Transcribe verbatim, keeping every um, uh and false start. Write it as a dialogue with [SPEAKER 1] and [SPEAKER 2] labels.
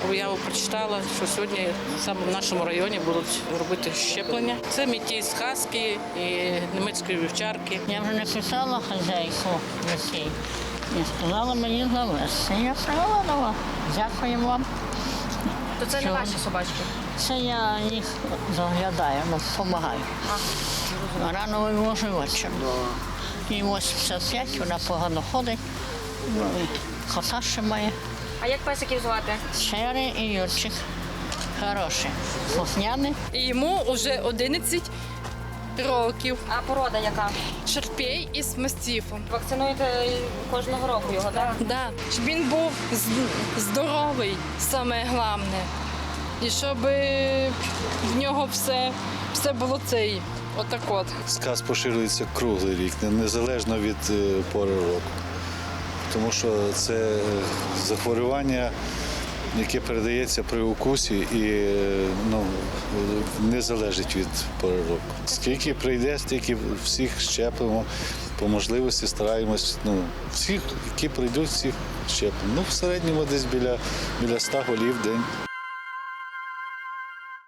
[SPEAKER 1] об'яву прочитала, що сьогодні саме в нашому районі будуть робити щеплення. Це мітій з хаски і німецької вівчарки.
[SPEAKER 2] Я вже написала хазяйку Росії і сказала мені завести. Я сказала, дякую вам.
[SPEAKER 3] То це не ваші собачки?
[SPEAKER 2] Це я їх заглядаю, ну, допомагаю. Рано вивожу ввечері. І вісімдесят п'ять, вона погано ходить, ну, і кота ще має.
[SPEAKER 3] А як песиків звати?
[SPEAKER 2] Шери і Юрчик. Хороші, слухняні.
[SPEAKER 4] Йому вже одинадцять років.
[SPEAKER 3] А порода яка?
[SPEAKER 4] Шарпей із мастифом.
[SPEAKER 3] Вакцинуєте кожного року його, так?
[SPEAKER 4] Да. Щоб він був з- здоровий, саме головне. І щоб в нього все, все було цей, отак от.
[SPEAKER 5] Сказ поширюється круглий рік, незалежно від е, пори року. Тому що це е, захворювання, яке передається при укусі і е, ну, не залежить від пори року. Скільки прийде, стільки всіх щепимо. По можливості стараємось, ну, всіх, які прийдуть, всіх щепимо. Ну, в середньому десь біля, біля ста голів в день.